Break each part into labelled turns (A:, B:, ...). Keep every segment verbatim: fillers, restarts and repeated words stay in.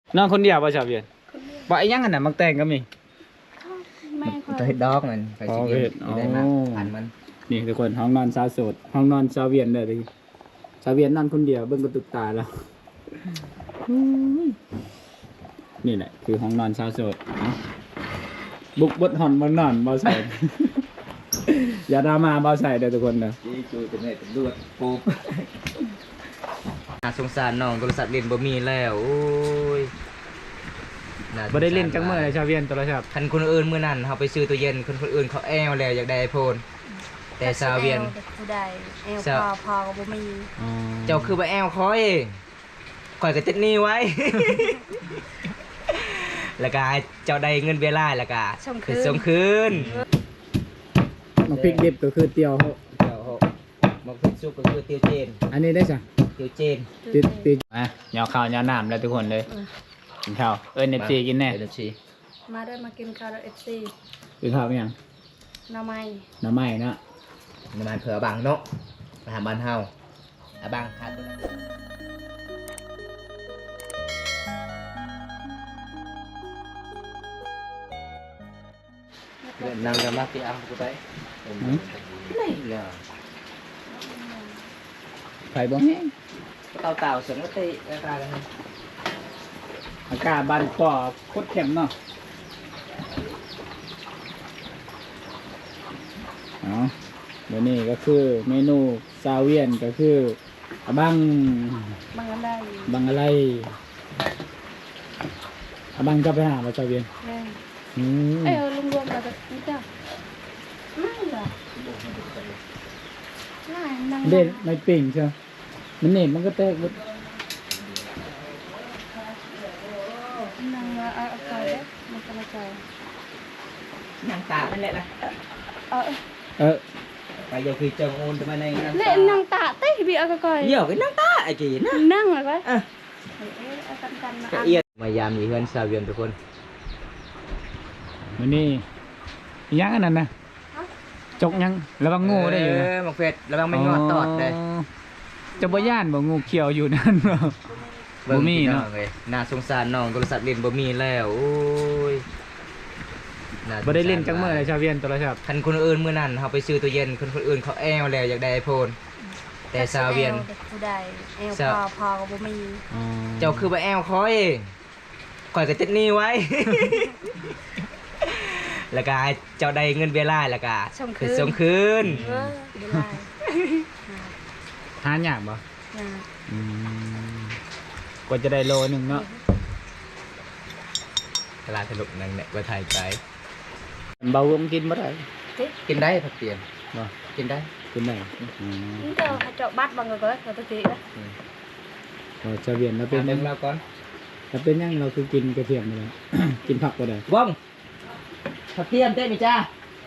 A: นอนคนเดียวป่ะชาวเวียนบ่ไอ้ยังอันน่ะมักแต่งก็มี
B: แม่คอย
C: ตัวเฮ็ดดอกมันไปสิเฮ็ดได้มาผ่านมัน
A: นี่ทุกคนห้องนอนสาวโสดห้องนอนชาวเวียนเด้อดิชาวเวียนนอนคนเดียวเบิ่งกระตุกตาแล้วนี่แหละคือห้องนอนชาวโสดบุกบดหอนบ่นอนบ่ใส่อย่าดราม่าบ่ใส่เด้อทุกคนเด้อ
C: จีจูจะได้เป็นลวดปูน่าสงสารน้องโทรศัพท์เล่นบ่มีแล้วโอ้ย
A: บ่ได้เล่นจังมื้อเลยชาวเวียนโทรศัพท์
C: คันคนอื่นมื้อนั้นเฮาไปซื้อตู้เย็นคนคนอื่นเขาแอวแล้วอยากได้ iPhone แต่ชาวเวียน
B: ผู้ใดแอลพอพอก็บ่มี
C: เจ้าคือบ่แอวคอยคอยก็ติดหนี้ไว้แล้วก็เจ้าได้เงินเวลาแล้วก็คือส่งคืน
A: มักพริกดิบก็คือเตียวเฮา
C: เตียวเฮามักพริกสุกก็คือเตียวเจน
A: อันนี้ได้จ้ะ
C: เตียวเจน
A: ติดติดอ่ะยอข้าวยอน้ำแล้วทุกคนเลยกินข้าวเอิ้น เอฟ ซี กินแน่
C: เอฟ ซี
B: มาได้มากินข้าว เอฟ ซี
A: กินข้าวมั้ยยัง
B: หน่อไม้
A: หน่อไม้เนาะ
C: หน่อไม้เผื่อบังเนาะมาหาบ้านเฮาอ่ะบังขาดนั่งกันมาที่อ่างกูไปนี่แหละ
A: ไฟบ่แห้ง
C: เต่าเต่าเสียงก็ตีราคากัน
A: อากาศบ้านก่อโคตรเข้มเนาะอ๋อเดี๋ยวนี้ก็คือเมนูซาเวียนก็คือบัง
B: บังอะไร
A: บังอะไรบังจะไปหามาซาเวียน
B: อืมเอ้ยลุงรวมเราจะนี่จ้ะไม่หรอ
A: เด่นไม่ปิ่งใช่มันเน็ตมันก็แตกหมด
B: นั่งมาเอาไปเลยมันกระจาย
C: นั่งตานั่นแหละนะ
B: เออ
A: เออ
C: ไปเดี๋ยวคือจังโอนจะมาในนั่ง
B: เล่นนั่งตาเต้บีเอาก่อย
C: เดี๋ยวก็นั่งตาไอ้กี่นะ
B: นั่งอะไร
C: อ่ะ
B: เอากันกันมา
C: เอียดมายามมีเพื่อนซาเวียนทุกคน
A: มันนี่ยังอันนั้นนะจกยังระวังงูได้อยู่นะ
C: มักเฟดระวังไม่งอดตอดเลย
A: จะบ่ย่านบ่งูเขียวอยู่นั่นบ่บ่มีเนาะ
C: น่าสงสารน้องโทรศัพท์เล่นบ่มีแล้วโอ้ย
A: บ่ได้เล่นจังมื้อเลยชาวเวียนโทรศัพท์
C: คันคนอื่นมื้อนั้นเฮาไปซื้อตู้เย็นคนคนอื่นเขาแอวแล้วอยากได้ iPhone แต่ชาวเวียน
B: ผู้ใดแอลพอพอก็บ่มี
C: เจ้าคือบ่แอวคอยคอยก็ติดหนี้ไว้แล้วก็เจ้าได้เงินเวลาแล้วก็คือส่งคืน
A: หายากบ่กว่าจะได้โลนึงเนาะ
C: ตลาดสนุกนั่นแหละว่าไทยไป
A: เบาผมกินบ่ได้
C: กินได้ผักเตียน
A: บ่
C: กินได้
A: กินได้
B: นี่เจ้าเจ้าบัดบังก็ก็ตัวตีนะ
A: โอ้ชาวเวียนเราเป็น
C: เรื่องเราก่อน
A: เราเป็นยังเราคือกินกระเทียมเลยกินผักบ่ได้
C: ว่องผักเทียมเต้นไหมจ้า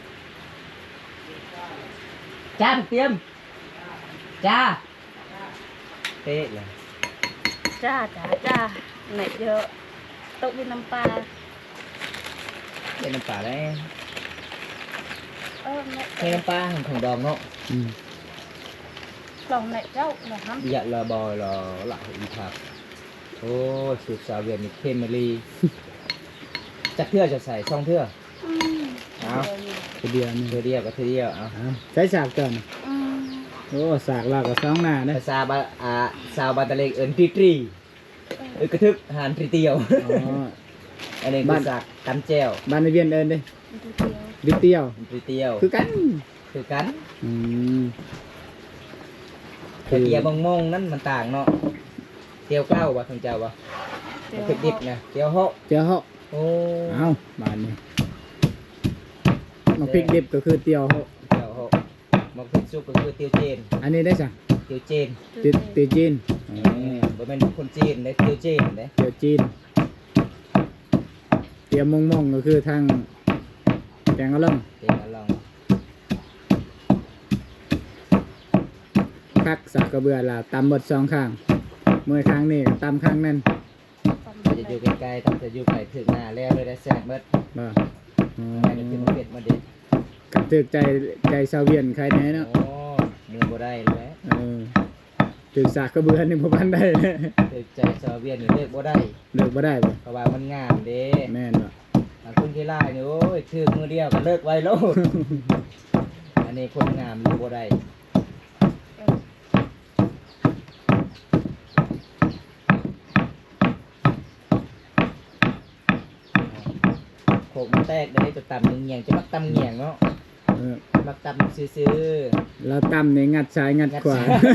C: จ้าผักเทียมจ้าเต้เลย
B: จ้าจ้าจ้าไหนเยอะตกเป็นน้ำปลา
C: เป็นน้ำปลาได้
B: เออ
C: เป็นน้ำปลาของของดองเนาะ
B: ลองไหนเจ้าลองท
C: ำอย่าละบอยละหลักอีผักโอ้สูตรซาเวียนมีเคมีลีจักเทื่อจะใส่ซองเทื่อเอา
A: เดียวนี่
C: เดียวกับเดียวเอา
A: ใช้สากก่อนโอ้สากลากกับสองหน้านะ
C: ซาบะอ่าซาบะตะเลกเอิญตรีตรีเอิญกระทึกหานตรีเตียวอันนี้คือสากกันแจ้ว
A: บ้านในเวียนเอิญเลยตรีเตียว
C: ตรีเตียว
A: คือกัน
C: คือกัน
A: อืม
C: แต่เตียวบงมงนั่นมันต่างเนาะเตียวเก้าว่ะทางเจ้าว่ะมันคือดิบนะเตียวเหาะ
A: เตียวเหาะ
C: โอ้
A: เอาบ้านนี้มักพริกดิบก็คือเตียวเหาะ
C: เตียวเหาะมักพริกสุกก็คือเตียวเจน
A: อันนี้ได้จ้ะ
C: เตียวเจน
A: เตียวจีน
C: บ่เป็นคนจีนได้เตียวเจนได้
A: เตียวจีนเตียวมงมงก็คือทางแกงกะหล่ำ
C: แกงกะหล่
A: ำคักสักกระเบือละตำบดสองข้างเมื่อครั้งนี้ตำข้างนั้น
C: จะอยู่ใกล้ๆต้องจะอยู่ไปถึงหน้าแล้วเลยได้แซ่บเบิด
A: บ่
C: ไม่ได้ถึงเผ็ดมาเด็ด
A: กับถึกใจใจชาวเวียนใครแน่เนาะ
C: โอ้มือบ่ได้แล้ว
A: เออถือสากกระเบือนี่บ่ทันได้เลย
C: เด็กใจซาเวียนนี่เลิกบ่ได้
A: เลิกบ่ได้บ่
C: เพราะว่ามันงามเด้
A: แม่นบ่
C: บางคนที่ไล่นี่โอ้ยถือมือเดียวก็เลิกไว้โลด อันนี้คนงามเลิกบ่ได้โขกมันแตกได้จะตำเงียงๆจะมักตำเงียงเนาะ
A: เออ
C: มักตำซื่อ
A: เราตำนี่งัดซ้ายงัดขวา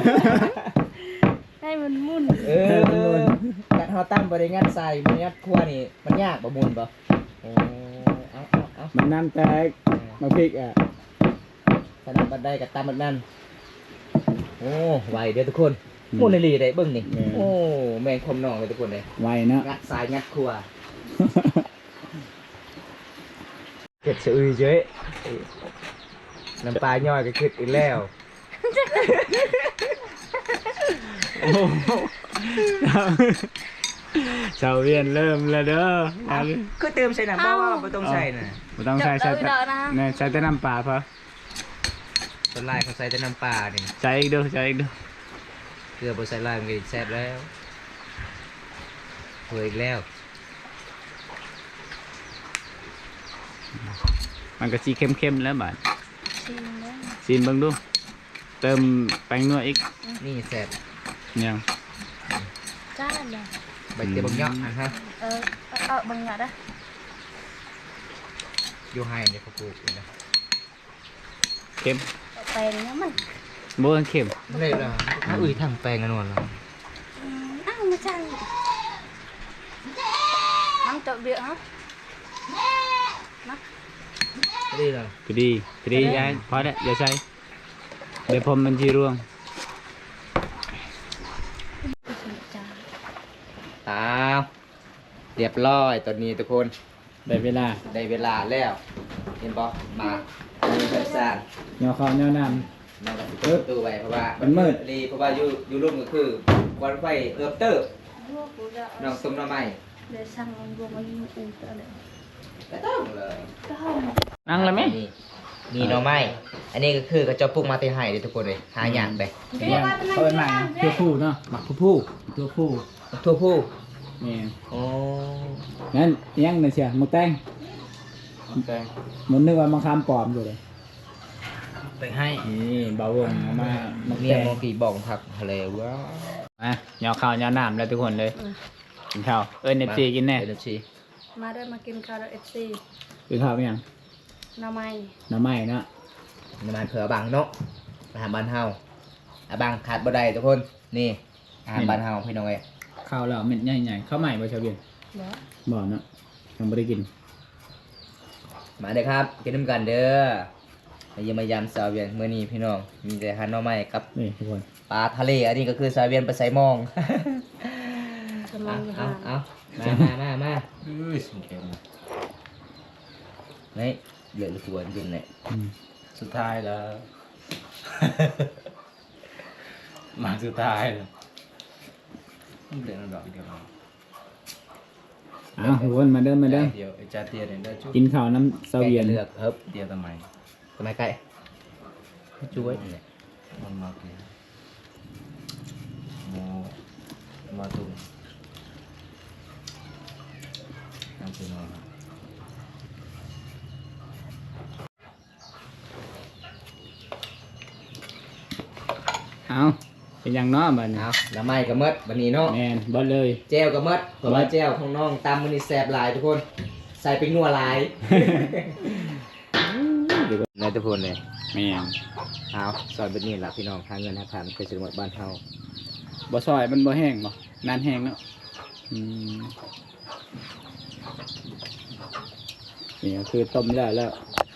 B: ให้มันมุ่น
C: ๆเออการเฮาตั้งบ่ได้งัดใส่มันงัดครัวนี่มันยากบ่มุนบ่โอ้เอาเอาเอา
A: มันน้ำแตกมาพริกอ่ะ
C: ถ้านั้นบัดได้ก็ตำแบบนั้นโอ้ไวเด้อทุกคนมุนอีหลีได้เบิ่งนี่โอ้แม่งคมน้องเลยทุกคนเลย
A: ไวเนาะ
C: งัดสายงัดครัวเก็ดสะอือเจ้ยน้ำปลาย่อยก็ขึ้นอีกแล้ว
A: โอ้โหชาวเวียนเริ่มแล้วเด้อเอาเลย
C: ก็เติมใส่น้ำบ่ว่าบ่ต้องใส่น่ะ
A: บ่ต้องใส่ใส่แต่เนี่ยใส่แต่น้ำปลาพอ
C: ส่วนลายเขาใส่แต่น้ำปลานี่
A: ใส่อีกเด้อใส่อีกเด้อ
C: เกลือบ่ใส่ลายมันก็แซ่บแล้วเผยอีกแล้ว
A: มันก็สีเข้มๆแล้วบาด
B: ชิมแล้ว
A: ซีนเบิ่งดู เติมแป้งนัวอีก
C: นี่แซ่บ
A: ยัง
B: จ้าเลย
C: ใบเตยบางยอกอ่ะฮะ
B: เออเออบางอย่างนะ
C: อยู่ให้เดี๋ยวเขาปลูกอยู่นะ
A: เข้ม
B: แปลงเนี้ยมัน
A: บ่เข้ม
C: เลยล่ะถ้าอุ้ยทางแปลงกันนวลแล้ว
B: อ้าวมาจังน้องเจาะเบี้ยฮะนะ
C: นี่ล่ะ
A: ก็ดีก็ดียายพอแล้วอย่าใส่เดี๋ยวผมมันสิร่วง
B: จ้า
C: อ้าวเรียบร้อยตอนนี้ทุกคน
A: ได้เวลา
C: ได้เวลาแล้วเห็นปะมามีกระสาน
A: ย่อข้าวย่อน้
C: มันก็สิเปิดประตูไว้เพราะว่า
A: มันมืด
C: รีเพราะว่าอยู่อยู่รุ่มก็คือวันไฟเอิบเตอร์
B: ลูกกูจะ
C: น้องต้มน้ำไม้
B: เดี๋ยวสั่งรวมมันอุ่นตัวเลย
C: ก็ต้องเลย
B: ก็ห้อง
A: ำนั่งแล้วไหม
C: นี่นี่หน่อไม้อันนี้ก็คือกระเจาะปลูกมาที่ไห้เลยทุกคนเลยหาอย่างไป
A: เนี่ยเปิดใหม่ตัวผู้เนาะหมักตัวผู้ตัวผู้
C: ทั่วผู้
A: นี่
C: โอ้
A: งั้นยังน่ะเชียหมกแตงหมกแตงมันนึกว่ามังคามปลอมอยู่เลย
C: ไปให้
A: นี่เบาวงเอามาหมก
C: เนี่
A: แต
C: ย
A: ง
C: มองกี่บอกผักทะเลว้า
A: อ่ะย่อข้าวย่อน้ำแล้วทุกคนเลยกินข้าวเอิ้นเอฟซีกินแน่
C: เอฟซี
B: มาได้มากินข้าวเอฟซี
A: กินข้าวเป็นยัง
B: น้ำไม้
A: น้ำไหม้เนาะ
C: น้ำมันเผือบังเนาะอาหารบ้านเฮาอาบังขาดบ่ได้ทุกคนนี่อาหารบ้านเฮาพี่น้องเอ้ย
A: ข้าวแล้วเม็ดใหญ่ๆข้าวใหม่บ่ชาวเวียน
B: เดี๋ยว
A: บ่เนาะยังไม่ได้กิน
C: มาเด้อครับกินน้ำกันเด้อมาเยี่ยมมายามสาวเวียนมื้อนี้พี่น้องมีแต่อาหารหน่อไม้กับ
A: นี่ทุกคน
C: ปลาทะเลอันนี้ก็คือสาวเวียนไปใส่หมอง
B: จะมอ
C: เอา
B: งอยู่
C: เอา
B: ห่าง
C: เอามามามามาอุ้ยสุดเข็มนี่เหลือตัวจริงๆเลย
A: อืม
D: สุดท้ายแล้ว มาสุดท้ายแล้วต้องเดินดอกเดียว
A: อ้าวทุกคนมาเด้อมาเด้อ
D: เดียวไอ้จ่าเตียเนี่ยได้จุ๊บ
A: กินข้าวน้ำเสาเวียน
C: แกะเลือกเฮิบ
D: เดียวทำไม
C: ทำไมไก่ช่วยนี่แหละ
D: มันมาเกลียโมมาตุ้มน้ำซีนอน
A: เอาเป็นหยังเนาะบัดนี้
C: เอาแล้วไม่ก็หมดวันนี้เนาะ
A: แม่นบ่เลย
C: เจลก็หมดเพราะว่าเจลของน้องตามมันนี่แสบหลายทุกคน ใส่เป็นนัวหลายในทุกคนเลย
A: แม่น
C: เอาสอนแบบนี้ล่ะพี่น้องหาเงินหาทางไปสมุดบ้านเฮา
A: บ่ซอยมันบ่แห้งบ่นานแห้งเนาะอืมนี่ก็คือต้มแล้วแล้ว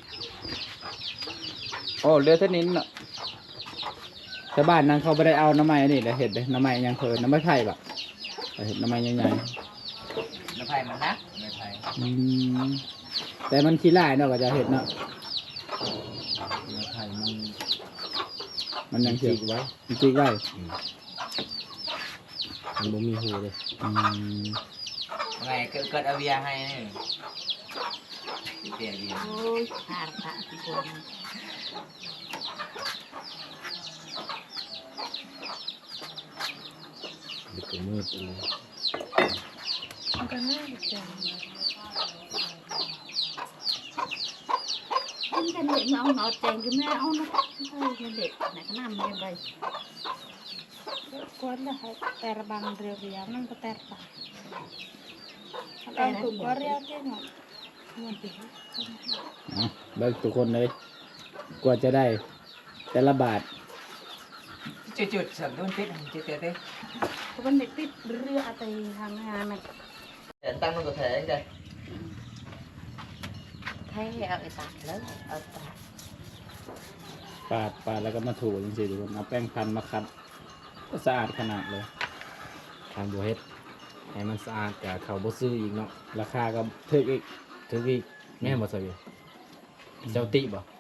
A: โอ้เหลือเท่านี้เนาะชาวบ้านนั้นเขาไม่ได้เอาน้ำไม้อันนี่แหละเห็ดเลยน้ำไม้ยังเพลินน้ำไม้ไผ่แบบเห็ดน้ำไม้ใหญ่
C: น้ำไผ่มันนะน้ำไผ่
A: ๆอืมแต่มันขี้ร้ายเนาะก็จะเห็ดเนาะ
D: น้ำไผ่มัน
A: มันยังเขียว
C: จิกไว้
A: มันจิกไว้
C: มันบ่มีหูเลย
A: อืม
C: ไงเกิดเกิดเอาเบียร์ให้นี่เปลี่ยนเบียร์
B: โอ้ยผ่านผ่านทุกคน
C: อดึกก็มืดเลย
B: มันก็น่าจังมันกันเด็กเอาหนอแจงคือแม่เอานะเฮ้ยเด็กไหนก็น้ำมันไปกวนละให้แต่ระบังเรียวเรียวนั่นก็แต่ระบังแต่ถูกก็เรียวที่หนอมันติด
A: เอาเบิกทุกคนเลยกว่าจะได้แต่ละบาท
C: จุดๆสั่นโดนติดจุดๆเต้
B: เพราะมันเด็กติดเรืออะไรทางงานมัน
C: แต่ตั้งมันก็แทงได้
B: แท้เอาไอ้ตาแล้วเอาตา
A: ปาดปาดแล้วก็มาถูจริงๆทุกคนเอาแป้งพันมาคัดก็สะอาดขนาดเลย
C: ทางบัวเฮ็ดให้มันสะอาดกับเขาบ่ซื้ออีกเนาะ
A: ราคาก็ถึกอีก
C: ถึงอีกแม่บ่ซะอยู่เจ้าติบ่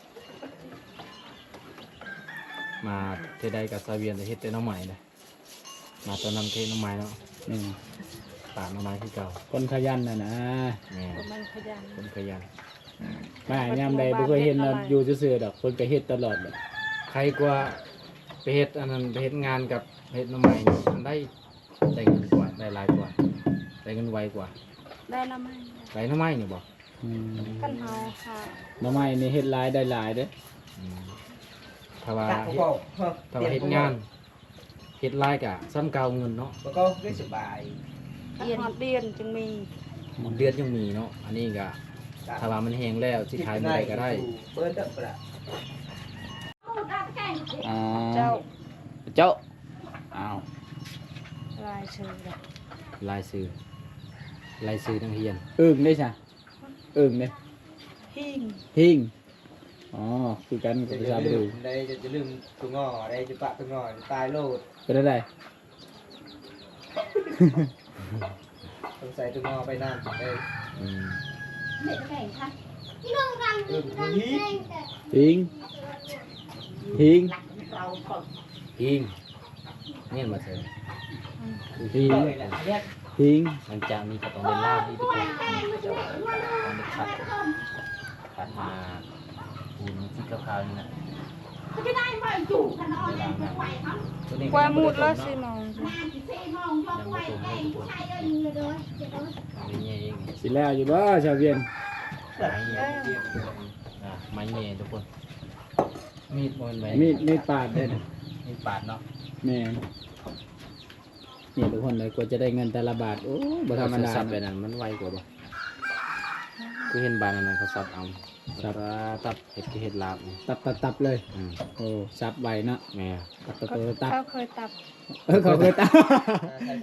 C: มาเทใดกับซาเวียนจะเฮ็ดแต่น้องใหม่เลยมาตอนนำเทน้องใหม่เนาะ
A: นี่
C: ปากน้องใหม่คือเก่า
A: คนขยันน่ะนะ
C: แม่
B: เพราะมันขยัน
C: คนขยัน
A: มาหายามใดบ่เคยเห็นเราอยู่ซื่อๆดอกคนก็เฮ็ดตลอดเลย
C: ใครกว่าไปเฮ็ดอันนั้นไปเฮ็ดงานกับเฮ็ดน้องใหม่นี่มันได้ได้เงินกว่าได้หลายกว่าได้เงินไวกว่า
B: ได้ละไหม
C: ได้น้องใหม่นี่บ่
A: อืม
B: กันเฮาค่ะ
A: หน่อไม้นี่เฮ็ดหลายได้หลายเด้อ
C: อืมถ้าว่าเฮ็ดถ้าว่าเฮ็ดงานเฮ็ดหลายก็ซ้ำเก่าเงินเนาะ
D: แล้วก็ได้สบาย
B: เดียนเดียนจึงมี
C: เดือนยังมีเนาะอันนี้ก็ถ้าว่ามันแห้งแล้วสิขายเมื่อใดก็ได้
D: เปิดดับละ
A: อ๋อ
B: เจ้า
A: เจ้าอ้าว
B: ลายเชิงแบบ
C: ลายซื้อลายซื้อนักเรียน
A: อึ่งได้ใช่อึ่งเด้
B: หิ่ง
A: หิ่งอ๋อคือกันกับภาษาบ
D: ลื
A: รู
D: มได้จะลืมตัวงอได้จะปะตัวงอจะตายโลด
A: เป็นอะไร
D: ต้องใส่ตัวงอไปนั่นได้
C: อืม
D: เออทีนี้
A: หิ่งหิ่ง
C: อิงเนี่ยมาเสริม
A: หิ่ง
D: เลยแหละเนี่ย
A: หิ่ง
C: หลังจากนี้ก็ต้องเล่นล่าที่ทุกคนจะต้องไปขัดขัดมาปูนที่ขาวๆนี่นะเวลานั้นตัวนี้
B: กว่ามุดแล้วสิมอง
C: ยังไม่ตรงให้ทุกคนไม่เงี้ยเอง
A: สิแล้วอยู่บ่ชาวเวียน
C: ไม่เงี้ยอ่ะไม่เงี้ยทุกคนมีดมันไหม
A: มีดมีดปาดเด้อ
C: มีดปาดเนาะ
A: แม่นนี่ทุกคนเลยกว่าจะได้เงินแต่ละบาทโอ้บ่ธรรมดา
C: ซับไปนั่นมันไวกว่าบ่คือเห็นบานอันนั้นเขาซับเอาซับตับเห็ดคือเห็ดลาบนี่
A: ตับตับตับเลย
C: อืม
A: โอ้ซับไวเนาะ
C: แม่
A: ตับตับตับตับ
B: เขาเคยตับ
A: เออเขาเคยตับ
D: ใช่ใช่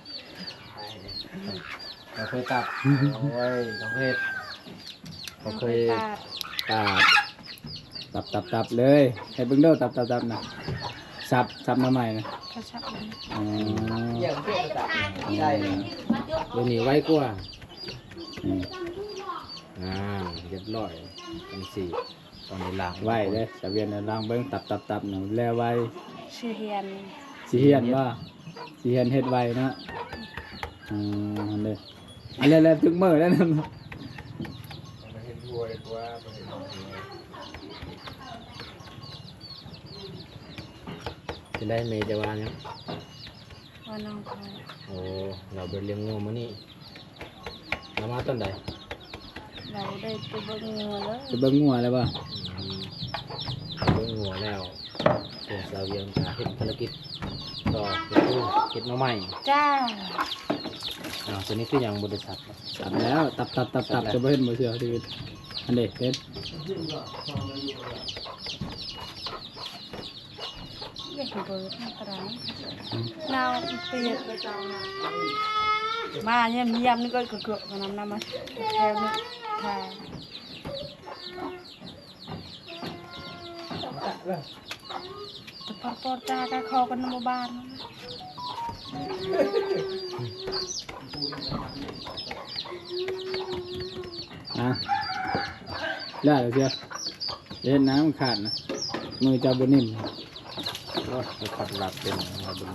C: เราเคยตับโอ้ยเราเคยเขาเคย
B: ตับ
A: ตับตับตับตับเลยให้เบิ่งเด้อตับตับตับนะซับซับมาใหม่นะ
B: เขาชักมัน
A: อ๋อ
D: อย่างเพื่อนตัดใช่เลย
C: เดี๋ยวนี้ไวกว่า
A: อืม
C: อ่าเรียบร้อยจังสี่ตอนในล้าง
A: ไวเลยชาวเวียนน่ะลองเบิ่งตับตับตับน่ะแล้วไว
B: ชื่อเฮียน
A: สิเฮียนบ่สิเฮียนเฮ็ดไวเนาะอืมอันเด้ออันแล้วๆถึงมื้อแล้วนั่น
D: มันเห็นทัวร์เลยว่ามันเห็นทัวร์
C: จะได้เมย์จะว่าเนี่ย
B: ว่าน้องเขา
C: โอ้เราไปเลี้ยงงูมานี่เรามาต้นใด
B: เราได้ตัวเบิ่งงัวแล้ว
A: จะเบิ่งงัวแล้วบ่
C: อืมเลี้ยงงูแล้วส่วนสาวเวียงจะเฮ็ดภารกิจต่อก็คือเฮ็ดหน้อไม้
B: จ้า
C: อ่าวตัวนี้คืออย่างบริษัท
A: ตับแล้วตับตับตับตับจะบ่เห็นบ่เชื่อชีวิตอันเด้เห็น
B: เรียกเบิร์ดนะตรังนาวเปียกมาเนี่ยมียำนี่ก็เกือบๆกันน้ำน้ำมาแถวนี้ค่ะแต่พอปอดจ้าก็คอกันน้ำบาน
A: อ่ะได้แล้วเชียวเห็นน้ำมันขาดนะมือจะบ่นิ่ม
C: โอ้ยไปขัดหลับเป็นเราดู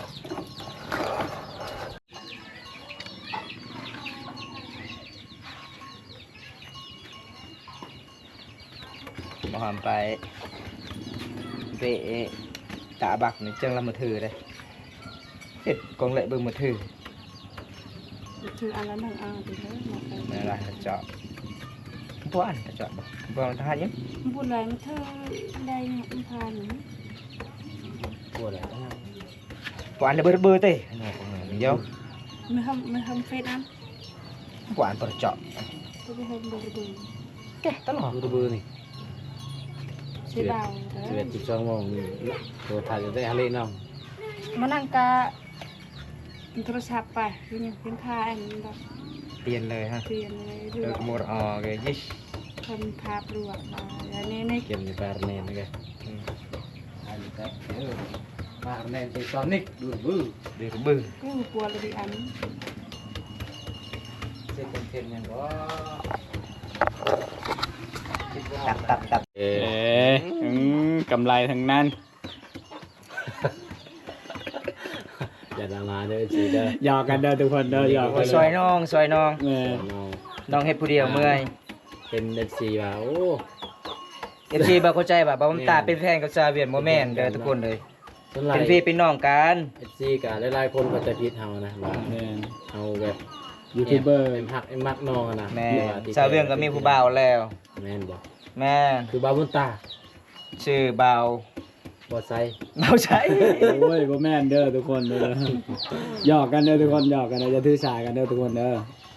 D: มาหอมไปเปะตาบักนี่จังละมาถือเลยเฮ็ดกองเละเบิ่งมือถือ
B: ถืออันละหนึ่งอันไปเลยหมดเลย
D: นั่นล่ะเจาะบ่อันเจาะบ่บ่ทหารยัง
B: บุญอะไรมันเธอได้มันทานหนู
C: กลัวแล้ว
D: บ่อันเบอร์เบอร์เต้อันนี้ของมันเดียว
B: ไม่ทำไม่ทำเฟซอัน
D: บ่อันบ่เจาะ
B: ก็ไปทำดูดู
D: แกะตลอด
C: ดูดูเบอร์นี่
B: ใช่เบา
C: สิบเอ็ดสิบสองโมงตัวถ่ายจะได้ฮาเล่น้อง
B: มานั่งกะโทรศัพท์ไปยังเป็นค่าอันแบบ
D: เปลี่ยนเลยฮะ
B: เปลี่ยนเลยเรื
D: เลิ
B: อก
D: หมดออกเลยยิช
B: ทำภาพรวมมาแล้วนี่ใน
C: เกมในแปรเนนนะแกอันนี้แต่เออแปรเนนไปซอนิกดูดูเบอร์
D: เดือดบึ้ง
B: ก็ปวดเลยอัน
C: เซ็ตเต็มยังก็
D: ตับตับตับ
C: เอ
A: เอ๊ะอืมกำไรทั้งนั้น
C: อย่าดราม่าเด้อจีเด้อ
A: หยอกกันเด้อทุกคนเด้อหยอกกัน
D: ซอยน้องซอยน้อง
A: เออ
C: น้อง
D: น้องเฮ็ดผู้เดียวเมื่อย
C: เป็นเอฟซีว่าโอ้
D: เอฟซีบ่เข้าใจว่าบ่มันตาเป็นแฟนกับซาเวียนบ่แม่นเด้อทุกคนเลย
C: ส่วนหลา
D: เป็
C: ย
D: นพี่เป็นน้องกัน
C: เอฟซีกับหลายๆคนก็จะพิดเฮานะว่า
A: แม่น
C: เฮาแบบ
A: ยูทูบเบอร์
C: เอ็มฮักเอ็มมักน้องอะนะ
D: แม่
C: ที่ที่
D: ซาเวียนก็มีผู้บ่าวแล้ว
C: แม่นบ่
D: แม่
C: คือบาบุญตา
D: ชื่อบ่าว
C: บ่ใส่
D: บ่าวใช้
A: โอ้ยบ่แม่นเด้อทุกคนเด้อหยอกกันเด้อทุกคนหยอกกันเด้ออย่าถือสากันเด้อทุกคนเด้อ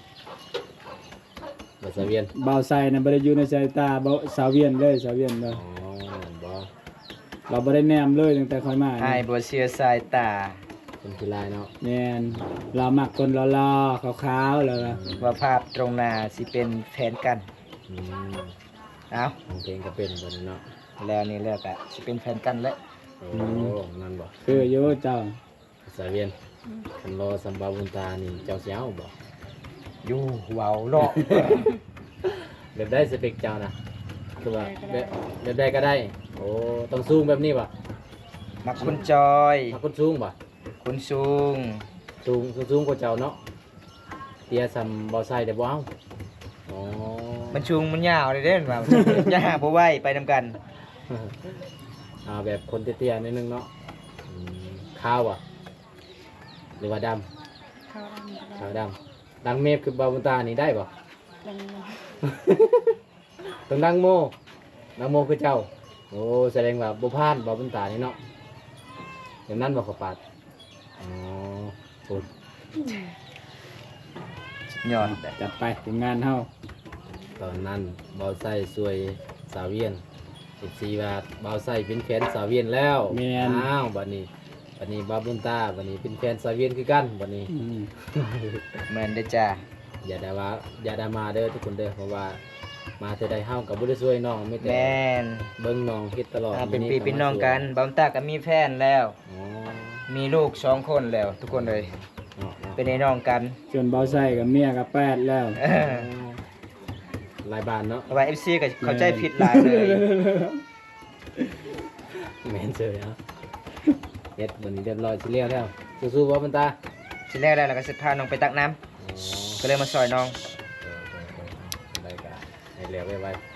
C: บ่ใส่เวียน
A: บ่าวไซน่ะบ่ได้อยู่ในสายตาบ่สาวเวียนเลยสาวเวียนเด้อ
C: อ๋อบ่
A: เราบ่ได้แนมเลยตั้งแต่ค่อยมา
D: อ้ายบ่เสียสายตา
C: เป็นกีฬาเนาะ
A: แม่นเรามักคนหล่อๆขาวๆแล้วล่ะ
D: ว่าภาพตรงหน้าสิเป็นแฟนกัน
C: อืม
D: เอ้า
C: ของเพลงก็เป็นบ่เนาะ
D: แล้วนี่แล้วก็สิเป็นแฟนกันแล้ว
C: โอ้นั่นบ่
A: คืออยู่เจ้า
C: ใส่เวียนคันรอสัมบาบุญตานี่เจ้าสิเอาบ่
D: อยู่เว้าเนาะ
C: แบบได้สเปคเจ้านะคือว่าแบบแบบได้ก็ได้ โอ้ต้องสูงแบบนี้บ่
D: มักคนจอย
C: มาคนสูงบ่
D: คนสูง
C: สูงสูงกว่าเจ้าเนาะเตี้ยซำบ่ใส่ได้บ่เอาอ๋อ
D: มันชุงมันยาวเลยเด้ว่า อย่าหาบ่ไหวไปนำกัน
C: เอาแบบคนเตี้ยๆนิดนึงเนาะอืมขาวอ่ะหรือว่าดำ
B: เขาทำ
C: ขาวดำดังเมฟคือบาบุญตานี่ได้บ่
B: ดัง
C: ต้องดังโมดังโมคือเจ้าโอ้แสดงว่าบ่พลาดบาบุญตานี่เนาะอย่างนั้นบ่ขอปาดอ๋อโอ้
D: ยอด
A: จัดไปทีมงานเฮา
C: ตอนนั้นเบาไส้สวยสาวเวียนสิบสี่บาทเบาไส้เป็นแฟนสาวเวียนแล้วอ้าวบัดนี้บัดนี้บาบุญตาบัดนี้เป็นแฟนสาวเวียนคือกันบัดนี้
A: อืม
D: แม่นเด้อจ้า
C: อย่าด่าว่าอย่าด่ามาเด้อทุกคนเด้อเพราะว่ามาแต่ใดเฮากับบ่ได้ช่วยน้องไม่แต่
D: แม่น
C: เบิ่งน้องเฮ็ดตลอด
D: อ่าเป็น
C: มื้
D: พี่เป็นน้องกันบำตาก็มีแฟนแล้ว
C: อ๋อ
D: มีลูกสองคนแล้ว ทุกคนเลย
C: เนาะเนาะ
D: เป็นไอ้น้องกัน
A: จนเบาไซกับเมียกับแปดแล้ว
D: เออ
C: หลายบ้านเนาะ
D: เพราะว่า เอฟ ซี ก็เข้าใจผิดหลายเลย
C: แม่นเจอเนาะเฮ็ดบัดนี้เรียบร้อยสิเลี้ยวแล้วสู้ๆบ่บุญตา
D: ทีแรกแล้วเราก็สิพาน้องไปตักน้ำ
C: อ๋อ
D: ก็เลยมาซอยน้อง
C: เออๆๆได้ก็ให้เลี้ยวไว้ๆ